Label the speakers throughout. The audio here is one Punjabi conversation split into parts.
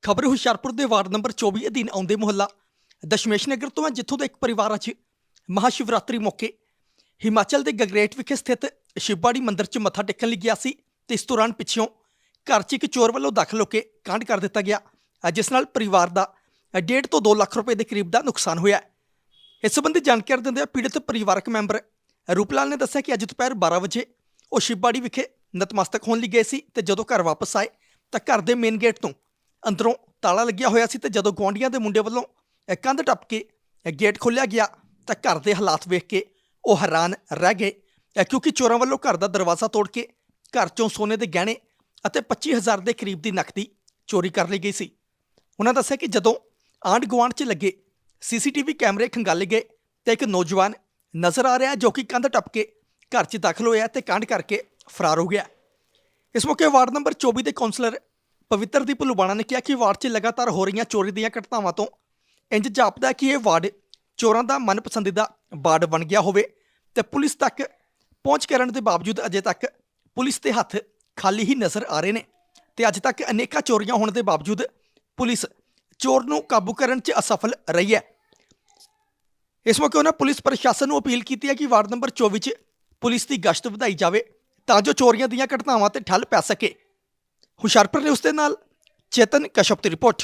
Speaker 1: ਖਬਰ ਹੁਸ਼ਿਆਰਪੁਰ ਦੇ ਵਾਰਡ ਨੰਬਰ 24 ਅਧੀਨ ਆਉਂਦੇ ਮੁਹੱਲਾ ਦਸ਼ਮੇਸ਼ ਨਗਰ ਤੋਂ ਹੈ, ਜਿੱਥੋਂ ਦਾ ਇੱਕ ਪਰਿਵਾਰ ਅੱਜ ਮਹਾਸ਼ਿਵਰਾਤਰੀ ਮੌਕੇ ਹਿਮਾਚਲ ਦੇ ਗਗਰੇਟ ਵਿਖੇ ਸਥਿਤ ਸ਼ਿਵਬਾੜੀ ਮੰਦਿਰ 'ਚ ਮੱਥਾ ਟੇਕਣ ਲਈ ਗਿਆ ਸੀ ਤੇ ਇਸ ਦੌਰਾਨ ਪਿੱਛੋਂ ਘਰ 'ਚ ਇੱਕ ਚੋਰ ਵੱਲੋਂ ਦਾਖਲ ਹੋ ਕੇ ਕਾਂਡ ਕਰ ਦਿੱਤਾ ਗਿਆ, ਜਿਸ ਨਾਲ ਪਰਿਵਾਰ ਦਾ 1.5 ਤੋਂ 2 ਲੱਖ ਰੁਪਏ ਦੇ ਕਰੀਬ ਦਾ ਨੁਕਸਾਨ ਹੋਇਆ। ਇਸ ਸੰਬੰਧੀ ਜਾਣਕਾਰੀ ਦਿੰਦਿਆਂ ਪੀੜਤ ਪਰਿਵਾਰਕ ਮੈਂਬਰ ਰੂਪਲਾਲ ਨੇ ਦੱਸਿਆ ਕਿ ਅੱਜ ਦੁਪਹਿਰ 12 ਵਜੇ ਉਹ ਸ਼ਿਵਬਾੜੀ ਵਿਖੇ ਨਤਮਸਤਕ ਹੋਣ ਲਈ ਗਏ ਸੀ ਤੇ ਜਦੋਂ ਘਰ ਵਾਪਸ ਆਏ ਤਾਂ ਘਰ ਦੇ ਮੇਨ ਗੇਟ ਤੋਂ ਅੰਦਰੋਂ ਤਾਲਾ ਲੱਗਿਆ ਹੋਇਆ ਸੀ ਤੇ ਜਦੋਂ ਗੁਆਂਢੀਆਂ ਦੇ ਮੁੰਡੇ ਵੱਲੋਂ ਕੰਧ ਟੱਪ ਕੇ ਗੇਟ ਖੋਲ੍ਹਿਆ ਗਿਆ ਤਾਂ ਘਰ ਦੇ ਹਾਲਾਤ ਵੇਖ ਕੇ ਉਹ ਹੈਰਾਨ ਰਹਿ ਗਏ, ਕਿਉਂਕਿ ਚੋਰਾਂ ਵੱਲੋਂ ਘਰ ਦਾ ਦਰਵਾਜ਼ਾ ਤੋੜ ਕੇ ਘਰ 'ਚੋਂ ਸੋਨੇ ਦੇ ਗਹਿਣੇ ਅਤੇ 25,000 ਦੇ ਕਰੀਬ ਦੀ ਨਕਦੀ ਚੋਰੀ ਕਰ ਲਈ ਗਈ ਸੀ। ਉਹਨਾਂ ਦੱਸਿਆ ਕਿ ਜਦੋਂ ਆਂਢ ਗੁਆਂਢ 'ਚ ਲੱਗੇ CCTV ਕੈਮਰੇ ਖੰਗਾਲੇ ਗਏ ਤੇ ਇੱਕ ਨੌਜਵਾਨ ਨਜ਼ਰ ਆ ਰਿਹਾ ਜੋ ਕਿ ਕੰਧ ਟੱਪ ਕੇ ਘਰ 'ਚ ਦਾਖਲ ਹੋਇਆ ਤੇ ਕਾਂਡ ਕਰਕੇ ਫਰਾਰ ਹੋ ਗਿਆ। ਇਸ ਮੌਕੇ ਵਾਰਡ ਨੰਬਰ 24 ਦੇ ਕੌਂਸਲਰ ਪਵਿੱਤਰਦੀਪ ਲੁਬਾਣਾ ਨੇ ਕਿਹਾ ਕਿ ਵਾਰਡ 'ਚ ਲਗਾਤਾਰ ਹੋ ਰਹੀਆਂ ਚੋਰੀ ਦੀਆਂ ਘਟਨਾਵਾਂ ਤੋਂ ਇੰਜ ਜਾਪਦਾ ਕਿ ਇਹ ਵਾਰਡ ਚੋਰਾਂ ਦਾ ਮਨਪਸੰਦੀਦਾ ਵਾਰਡ ਬਣ ਗਿਆ ਹੋਵੇ ਤੇ ਪੁਲਿਸ ਤੱਕ ਪਹੁੰਚ ਕਰਨ ਦੇ ਬਾਵਜੂਦ ਅਜੇ ਤੱਕ ਪੁਲਿਸ ਦੇ ਹੱਥ ਖਾਲੀ ਹੀ ਨਜ਼ਰ ਆ ਰਹੇ ਨੇ ਤੇ ਅੱਜ ਤੱਕ ਅਨੇਕਾਂ ਚੋਰੀਆਂ ਹੋਣ ਦੇ ਬਾਵਜੂਦ ਪੁਲਿਸ ਚੋਰ ਨੂੰ ਕਾਬੂ ਕਰਨ 'ਚ ਅਸਫਲ ਰਹੀ ਹੈ। ਇਸ ਮੌਕੇ ਉਹਨਾਂ ਪੁਲਿਸ ਪ੍ਰਸ਼ਾਸਨ ਨੂੰ ਅਪੀਲ ਕੀਤੀ ਹੈ ਕਿ ਵਾਰਡ ਨੰਬਰ 24 'ਚ ਪੁਲਿਸ ਦੀ ਗਸ਼ਤ ਵਧਾਈ ਜਾਵੇ ਤਾਂ ਜੋ ਚੋਰੀਆਂ ਦੀਆਂ ਘਟਨਾਵਾਂ ਤੇ ਠੱਲ ਪੈ ਸਕੇ। ਹੁਸ਼ਿਆਰਪੁਰ ਨੇ ਉਸ ਦੇ ਨਾਲ ਚੇਤਨ ਕਸ਼ਪ ਦੀ ਰਿਪੋਰਟ।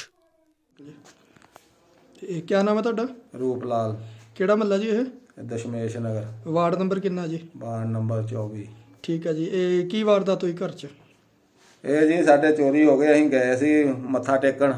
Speaker 2: ਇਹ ਕੀ ਨਾਮ ਹੈ ਤੁਹਾਡਾ?
Speaker 3: ਰੂਪਲਾਲ।
Speaker 2: ਕਿਹੜਾ ਮਹੱਲਾ ਜੀ ਇਹ?
Speaker 3: ਦਸ਼ਮੇਸ਼ ਨਗਰ।
Speaker 2: ਵਾਰਡ ਨੰਬਰ ਕਿੰਨਾ ਜੀ?
Speaker 3: Ward number 24।
Speaker 2: ਠੀਕ ਹੈ ਜੀ। ਇਹ ਕੀ ਵਾਰਦਾਤ ਹੋਈ ਘਰ 'ਚ?
Speaker 3: ਇਹ ਜੀ ਸਾਡੇ ਚੋਰੀ ਹੋ ਗਏ, ਅਸੀਂ ਗਏ ਸੀ ਮੱਥਾ ਟੇਕਣ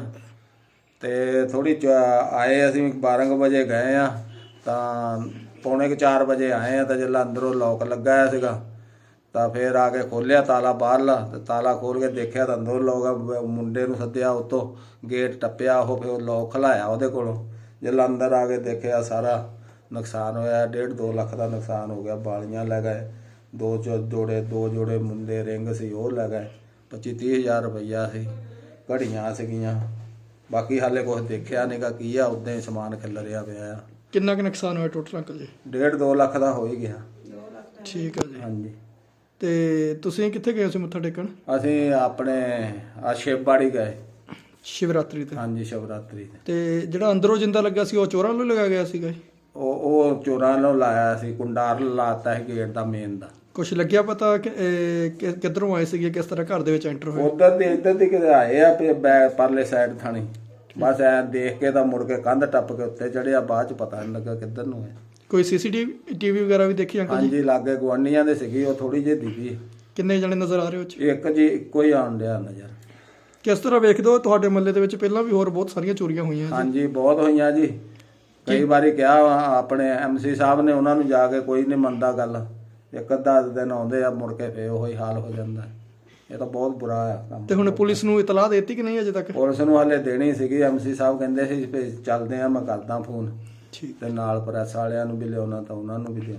Speaker 3: ਤੇ ਥੋੜੀ ਆਏ, ਅਸੀਂ 12 ਵਜੇ ਗਏ ਆ ਤਾਂ ਪੌਣੇ 4 ਵਜੇ ਆਏ ਆ ਤਾਂ ਜਦੋਂ ਅੰਦਰੋਂ ਲੋਕ ਲੱਗਾ ਹੋਇਆ ਸੀਗਾ ਤਾਂ ਫਿਰ ਆ ਕੇ ਖੋਲ੍ਹਿਆ ਤਾਲਾ ਬਾਹਰਲਾ ਤੇ ਤਾਲਾ ਖੋਲ੍ਹ ਕੇ ਦੇਖਿਆ ਤਾਂ ਅੰਦਰੋਂ ਲੋਕ, ਮੁੰਡੇ ਨੂੰ ਸੱਦਿਆ, ਉੱਤੋਂ ਗੇਟ ਟੱਪਿਆ, ਉਹ ਫਿਰ ਲੋਕ ਖਲਾਇਆ ਉਹਦੇ ਕੋਲੋਂ। ਜਦੋਂ ਅੰਦਰ ਆ ਕੇ ਦੇਖਿਆ ਸਾਰਾ ਨੁਕਸਾਨ ਹੋਇਆ, 1.5-2 ਲੱਖ ਦਾ ਨੁਕਸਾਨ ਹੋ ਗਿਆ। ਬਾਲੀਆਂ ਲੈ ਗਏ, ਦੋ ਜੋੜੇ ਮੁੰਡੇ ਰਿੰਗ ਸੀ ਉਹ ਲੈ ਗਏ, 25-30 ਹਜ਼ਾਰ ਰੁਪਈਆ ਸੀ, ਘੜੀਆਂ ਸੀਗੀਆਂ। ਬਾਕੀ ਹਾਲੇ ਕੁਛ ਦੇਖਿਆ ਨਹੀਂਗਾ ਕੀ ਆ, ਉੱਦਾਂ ਹੀ ਸਮਾਨ ਖਿਲਰਿਆ ਪਿਆ ਆ।
Speaker 2: ਕਿੰਨਾ ਕੁ ਨੁਕਸਾਨ ਹੋਇਆ ਟੋਟਲ ਅੰਕਲ ਜੀ?
Speaker 3: 1.5-2 ਲੱਖ ਦਾ ਹੋ ਹੀ ਗਿਆ।
Speaker 2: ਠੀਕ ਹੈ ਜੀ।
Speaker 3: ਹਾਂਜੀ।
Speaker 2: ਤੇ ਤੁਸੀਂ ਕਿੱਥੇ ਗਏ ਸੀ ਮੱਥਾ ਟੇਕਣ?
Speaker 3: ਅਸੀਂ ਆਪਣੇ ਸ਼ਿਵਬਾੜੀ ਗਏ
Speaker 2: ਸ਼ਿਵਰਾਤਰੀ ਤੇ?
Speaker 3: ਹਾਂਜੀ, ਸ਼ਿਵਰਾਤਰੀ ਤੇ।
Speaker 2: ਤੇ ਜਿਹੜਾ ਅੰਦਰੋਂ ਜਿੰਦਾ ਲੱਗਾ ਸੀ ਉਹ ਚੋਰਾਂ ਵੱਲੋਂ ਲਗਾਇਆ ਗਿਆ ਸੀਗਾ ਜੀ?
Speaker 3: ਉਹ ਚੋਰਾਂ ਨੂੰ ਲਾਇਆ ਸੀ, ਕੁੰਡਾਰ ਲਾਤਾ ਸੀ ਗੇਟ ਦਾ ਮੇਨ ਦਾ।
Speaker 2: ਕੁਛ ਲੱਗਿਆ ਪਤਾ ਕਿ ਕਿੱਧਰੋਂ ਆਏ ਸੀਗੇ, ਕਿਸ ਤਰ੍ਹਾਂ ਘਰ ਦੇ ਵਿੱਚ ਐਂਟਰ ਹੋਏ?
Speaker 3: ਇੱਧਰ ਦੀ ਕਿਤੇ ਆਏ ਆ ਪਰਲੇ ਸਾਈਡ ਥਾਣੀ, ਬਸ ਐ ਦੇਖ ਕੇ ਤਾਂ ਮੁੜ ਕੇ ਕੰਧ ਟੱਪ ਕੇ ਉੱਤੇ ਚੜਿਆ। ਬਾਅਦ ਚ ਪਤਾ ਨਹੀਂ ਲੱਗਾ ਕਿੱਧਰ ਨੂੰ ਹੈ।
Speaker 2: ਕੋਈ CCTV ਵਗੈਰਾ ਵੀ ਦੇਖੀ ਅੰਕਲ ਜੀ?
Speaker 3: ਹਾਂਜੀ, ਲਾਗੇ ਗੁਆਂਢੀਆਂ ਦੇ ਸੀਗੀ, ਉਹ ਥੋੜੀ ਜਿਹੀ ਦਿਖੀ।
Speaker 2: ਕਿੰਨੇ ਜਣੇ ਨਜ਼ਰ ਆ ਰਹੇ ਹੋ?
Speaker 3: ਇੱਕ ਜੀ ਇੱਕੋ ਹੀ ਆਉਣ ਡਿਆ ਨਜ਼ਰ।
Speaker 2: ਕਿਸ ਤਰ੍ਹਾਂ ਵੇਖਦੇ ਹੋ ਤੁਹਾਡੇ ਮਹੱਲੇ ਦੇ ਵਿੱਚ ਪਹਿਲਾਂ ਵੀ ਹੋਰ ਬਹੁਤ ਸਾਰੀਆਂ ਚੋਰੀਆਂ ਹੋਈਆਂ ਜੀ?
Speaker 3: ਹਾਂਜੀ, ਬਹੁਤ ਹੋਈਆਂ ਜੀ। ਕਈ ਵਾਰੀ ਕਿਹਾ ਆਪਣੇ MC ਸਾਹਿਬ ਨੇ, ਉਹਨਾਂ ਨੂੰ ਜਾ ਕੇ ਕੋਈ ਨਹੀਂ ਮੰਨਦਾ ਗੱਲ। ਇੱਕ ਅੱਧਾ ਦਿਨ ਆਉਂਦੇ ਆ, ਮੁੜ ਕੇ ਫੇਰ ਉਹੀ ਹਾਲ ਹੋ ਜਾਂਦਾ। ਇਹ ਤਾਂ ਬਹੁਤ ਬੁਰਾ ਆ ਕੰਮ।
Speaker 2: ਤੇ ਹੁਣ ਪੁਲਿਸ ਨੂੰ ਇਤਲਾਹ ਦੇ ਦਿੱਤੀ ਕਿ ਨਹੀਂ ਅਜੇ ਤੱਕ?
Speaker 3: ਪੁਲਿਸ ਨੂੰ ਹਾਲੇ ਦੇਣੀ ਸੀਗੀ। MC ਸਾਹਿਬ ਕਹਿੰਦੇ ਸੀ ਵੀ ਚੱਲਦੇ ਆ, ਮੈਂ ਕਰਦਾ ਫੋਨ।
Speaker 2: ਠੀਕ।
Speaker 3: ਤੇ ਨਾਲ ਪ੍ਰੈਸ ਵਾਲਿਆਂ ਨੂੰ ਵੀ ਲਿਆਉਣਾ ਤਾਂ ਉਹਨਾਂ ਨੂੰ ਵੀ ਦੇਣਾ।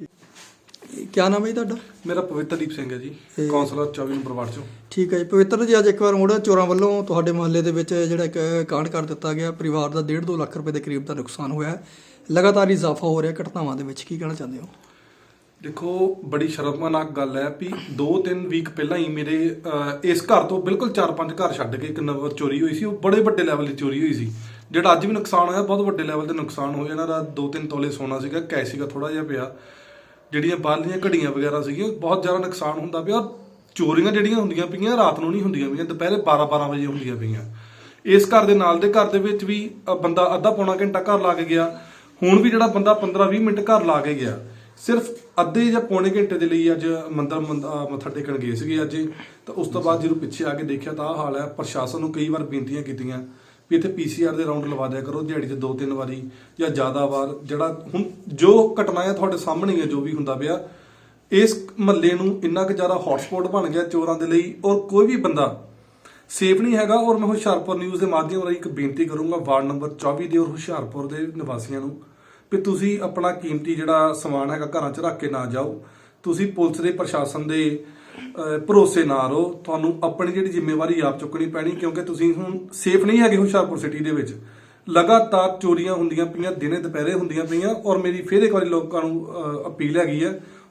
Speaker 2: ਕੀ ਨਾਮ ਹੈ ਜੀ ਤੁਹਾਡਾ?
Speaker 4: ਮੇਰਾ ਪਵਿੱਤਰਦੀਪ ਸਿੰਘ ਹੈ ਜੀ, ਕੌਂਸਲਰ 24 ਨੰਬਰ ਵਾਰਡ ਚੋਂ।
Speaker 2: ਠੀਕ ਹੈ ਜੀ। ਪਵਿੱਤਰ ਜੀ, ਅੱਜ ਇੱਕ ਵਾਰ ਮੁੜ ਚੋਰਾਂ ਵੱਲੋਂ ਤੁਹਾਡੇ ਮੁਹੱਲੇ ਦੇ ਵਿੱਚ ਜਿਹੜਾ ਇੱਕ ਕਾਂਡ ਕਰ ਦਿੱਤਾ ਗਿਆ, ਪਰਿਵਾਰ ਦਾ 1.5-2 ਲੱਖ ਰੁਪਏ ਦੇ ਕਰੀਬ ਦਾ ਨੁਕਸਾਨ ਹੋਇਆ ਹੈ, ਲਗਾਤਾਰ ਇਜ਼ਾਫਾ ਹੋ ਰਿਹਾ ਘਟਨਾਵਾਂ ਦੇ ਵਿੱਚ, ਕੀ ਕਹਿਣਾ ਚਾਹੁੰਦੇ ਹੋ?
Speaker 4: ਦੇਖੋ, ਬੜੀ ਸ਼ਰਮਨਾਕ ਗੱਲ ਹੈ ਵੀ 2-3 ਵੀਕ ਪਹਿਲਾਂ ਹੀ ਮੇਰੇ ਇਸ ਘਰ ਤੋਂ ਬਿਲਕੁਲ 4-5 ਘਰ ਛੱਡ ਕੇ ਇੱਕ ਨੰਬਰ ਚੋਰੀ ਹੋਈ ਸੀ। ਉਹ ਬੜੇ ਵੱਡੇ ਲੈਵਲ ਦੀ ਚੋਰੀ ਹੋਈ ਸੀ। ਜਿਹੜਾ ਅੱਜ ਵੀ ਨੁਕਸਾਨ ਹੋਇਆ, ਬਹੁਤ ਵੱਡੇ ਲੈਵਲ ਤੇ ਨੁਕਸਾਨ ਹੋਇਆ। ਇਹਨਾਂ ਦਾ 2-3 ਤੋਲੇ ਸੋਨਾ ਸੀਗਾ, ਕੈਸ਼ ਸੀਗਾ ਥੋੜਾ ਜਿਹਾ ਪਿਆ, ਜਿਹੜੀਆਂ ਬਾਹਰਲੀਆਂ ਘੜੀਆਂ ਵਗੈਰਾ ਸੀਗੀਆਂ, ਬਹੁਤ ਜ਼ਿਆਦਾ ਨੁਕਸਾਨ ਹੁੰਦਾ ਪਿਆ। ਚੋਰੀਆਂ ਜਿਹੜੀਆਂ ਹੁੰਦੀਆਂ ਪਈਆਂ ਰਾਤ ਨੂੰ ਨਹੀਂ ਹੁੰਦੀਆਂ ਪਈਆਂ, ਦੁਪਹਿਰੇ 12-12 ਵਜੇ ਹੁੰਦੀਆਂ ਪਈਆਂ। ਇਸ ਘਰ ਦੇ ਨਾਲ ਦੇ ਘਰ ਦੇ ਵਿੱਚ ਵੀ ਬੰਦਾ ਅੱਧਾ-ਪੌਣਾ ਘੰਟਾ ਘਰ ਲਾ ਕੇ ਗਿਆ। ਹੁਣ ਵੀ ਜਿਹੜਾ ਬੰਦਾ 15-20 ਮਿੰਟ ਘਰ ਲਾ ਕੇ ਗਿਆ, ਸਿਰਫ ਅੱਧੇ ਜਾਂ ਪੌਣੇ ਘੰਟੇ ਦੇ ਲਈ ਅੱਜ ਮੰਦਰ ਮੱਥਾ ਟੇਕਣ ਗਏ ਸੀਗੇ ਅੱਜ। ਤਾਂ ਉਸ ਤੋਂ ਬਾਅਦ ਜਦੋਂ ਪਿੱਛੇ ਆ ਕੇ ਦੇਖਿਆ ਤਾਂ ਆਹ ਹਾਲ ਹੈ। ਪ੍ਰਸ਼ਾਸਨ ਨੂੰ ਕਈ ਵਾਰ ਬੇਨਤੀਆਂ ਕੀਤੀਆਂ ਵੀ ਇੱਥੇ PCR ਦੇ ਰਾਊਂਡ ਲਵਾ ਦਿਆ ਕਰੋ ਦਿਹਾੜੀ 'ਚ 2-3 ਵਾਰੀ ਜਾਂ ਜ਼ਿਆਦਾ ਵਾਰ। ਜਿਹੜਾ ਹੁਣ ਜੋ ਘਟਨਾ ਹੈ ਤੁਹਾਡੇ ਸਾਹਮਣੇ ਹੈ, ਜੋ ਵੀ ਹੁੰਦਾ ਪਿਆ, ਇਸ ਮਹੱਲੇ ਨੂੰ ਇੰਨਾ ਕੁ ਜ਼ਿਆਦਾ ਹੌਟਸਪੌਟ ਬਣ ਗਿਆ ਚੋਰਾਂ ਦੇ ਲਈ, ਔਰ ਕੋਈ ਵੀ ਬੰਦਾ ਸੇਫ ਨਹੀਂ ਹੈਗਾ। ਔਰ ਮੈਂ ਹੁਸ਼ਿਆਰਪੁਰ ਨਿਊਜ਼ ਦੇ ਮਾਧਿਅਮ ਰਾਹੀਂ ਇੱਕ ਬੇਨਤੀ ਕਰੂੰਗਾ ਵਾਰਡ ਨੰਬਰ 24 ਦੇ ਔਰ ਹੁਸ਼ਿਆਰਪੁਰ ਦੇ ਨਿਵਾਸੀਆਂ ਨੂੰ ਵੀ ਤੁਸੀਂ ਆਪਣਾ ਕੀਮਤੀ ਜਿਹੜਾ ਸਮਾਨ ਹੈਗਾ ਘਰਾਂ 'ਚ ਰੱਖ ਕੇ ਨਾ ਜਾਓ। ਤੁਸੀਂ ਪੁਲਿਸ ਦੇ ਪ੍ਰਸ਼ਾਸਨ ਦੇ ਭਰੋਸੇ ਨਾ ਰਹੋ। ਤੁਹਾਨੂੰ ਆਪਣੀ ਜਿਹੜੀ ਜ਼ਿੰਮੇਵਾਰੀ ਆਪ ਚੁੱਕਣੀ ਪੈਣੀ, ਕਿਉਂਕਿ ਤੁਸੀਂ ਹੁਣ ਸੇਫ ਨਹੀਂ ਹੈਗੇ। ਹੁਸ਼ਿਆਰਪੁਰ ਸਿਟੀ ਦੇ ਵਿੱਚ ਲਗਾਤਾਰ ਚੋਰੀਆਂ ਹੁੰਦੀਆਂ ਪਈਆਂ, ਦਿਨੇ ਦੁਪਹਿਰੇ ਹੁੰਦੀਆਂ ਪਈਆਂ। ਔਰ ਮੇਰੀ ਫਿਰ ਇੱਕ ਵਾਰੀ ਲੋਕਾਂ ਨੂੰ ਅਪੀਲ ਹੈਗੀ ਹੈ,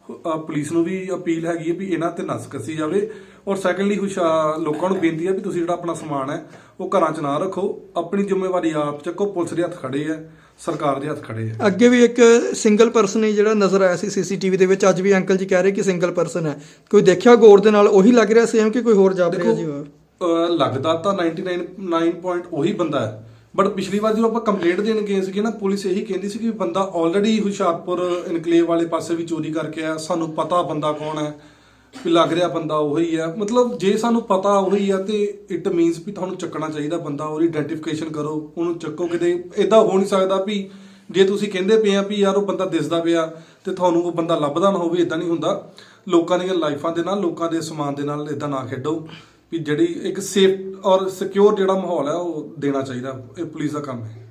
Speaker 4: ਪੁਲਿਸ ਨੂੰ ਵੀ ਅਪੀਲ ਹੈਗੀ ਹੈ ਵੀ ਇਹਨਾਂ ਤੇ ਨਸ ਕੱਸੀ ਜਾਵੇ। ਔਰ ਸੈਕੰਡਲੀ ਲੋਕਾਂ ਨੂੰ ਬੇਨਤੀ ਹੈ ਵੀ ਤੁਸੀਂ ਜਿਹੜਾ ਆਪਣਾ ਸਮਾਨ ਹੈ ਉਹ ਘਰਾਂ 'ਚ ਨਾ ਰੱਖੋ, ਆਪਣੀ ਜ਼ਿੰਮੇਵਾਰੀ ਆਪ ਚੱਕੋ। ਪੁਲਿਸ ਦੇ ਹੱਥ ਖੜੇ ਹੈ, ਸਰਕਾਰ ਦੇ ਹੱਥ ਖੜੇ ਹੈ।
Speaker 2: ਅੱਗੇ ਵੀ ਇੱਕ ਸਿੰਗਲ ਪਰਸਨ ਹੀ ਜਿਹੜਾ ਨਜ਼ਰ ਆਇਆ ਸੀ ਸੀਸੀਟੀਵੀ ਦੇ ਵਿੱਚ, ਅੱਜ ਵੀ ਅੰਕਲ ਜੀ ਕਹਿ ਰਹੇ ਕਿ ਸਿੰਗਲ ਪਰਸਨ ਹੈ। ਕੋਈ ਦੇਖਿਆ ਗੌਰ ਦੇ ਨਾਲ, ਉਹੀ ਲੱਗ ਰਿਹਾ ਸੇਮ ਕਿ ਕੋਈ ਹੋਰ ਜਾਪ ਰਿਹਾ ਜੀ?
Speaker 4: ਲੱਗਦਾ ਤਾਂ 99 ਉਹੀ ਬੰਦਾ ਹੈ, ਬਟ ਪਿਛਲੀ ਵਾਰ ਜਦੋਂ ਆਪਾਂ ਕੰਪਲੇਂਟ ਦੇਣ ਗਏ ਸੀਗੇ ਨਾ, ਪੁਲਿਸ ਇਹੀ ਕਹਿੰਦੀ ਸੀ ਕਿ ਬੰਦਾ ਆਲਰੇਡੀ ਹੁਸ਼ਿਆਰਪੁਰ ਇਨਕਲੇਵ ਵਾਲੇ ਪਾਸੇ ਵੀ ਚੋਰੀ ਕਰਕੇ ਆਇਆ, ਸਾਨੂੰ ਪਤਾ ਬੰਦਾ ਕੌਣ ਹੈ, ਵੀ ਲੱਗ ਰਿਹਾ ਬੰਦਾ ਉਹੀ ਹੈ। ਮਤਲਬ ਜੇ ਸਾਨੂੰ ਪਤਾ ਉਹੀ ਆ ਤੇ ਇਟ ਮੀਨਸ ਵੀ ਤੁਹਾਨੂੰ ਚੱਕਣਾ ਚਾਹੀਦਾ ਬੰਦਾ, ਉਹਦੀ ਆਇਡੈਂਟੀਫਿਕੇਸ਼ਨ ਕਰੋ, ਉਹਨੂੰ ਚੱਕੋ। ਕਿਤੇ ਇਦਾਂ ਹੋ ਨਹੀਂ ਸਕਦਾ ਵੀ ਜੇ ਤੁਸੀਂ ਕਹਿੰਦੇ ਪਏ ਆ ਵੀ ਯਾਰ ਉਹ ਬੰਦਾ ਦਿਸਦਾ ਪਿਆ ਤੇ ਤੁਹਾਨੂੰ ਉਹ ਬੰਦਾ ਲੱਭਦਾ ਨਾ ਹੋਵੇ। ਇਦਾਂ ਨਹੀਂ ਹੁੰਦਾ। ਲੋਕਾਂ ਦੀਆਂ ਲਾਈਫਾਂ ਦੇ ਨਾਲ, ਲੋਕਾਂ ਦੇ ਸਮਾਨ ਦੇ ਨਾਲ ਇਦਾਂ ਨਾ ਖੇਡੋ। ਵੀ ਜਿਹੜੀ ਇੱਕ ਸੇਫ ਔਰ ਸਿਕਿਉਰ ਜਿਹੜਾ ਮਾਹੌਲ ਹੈ ਉਹ ਦੇਣਾ ਚਾਹੀਦਾ, ਇਹ ਪੁਲਿਸ ਦਾ ਕੰਮ ਹੈ।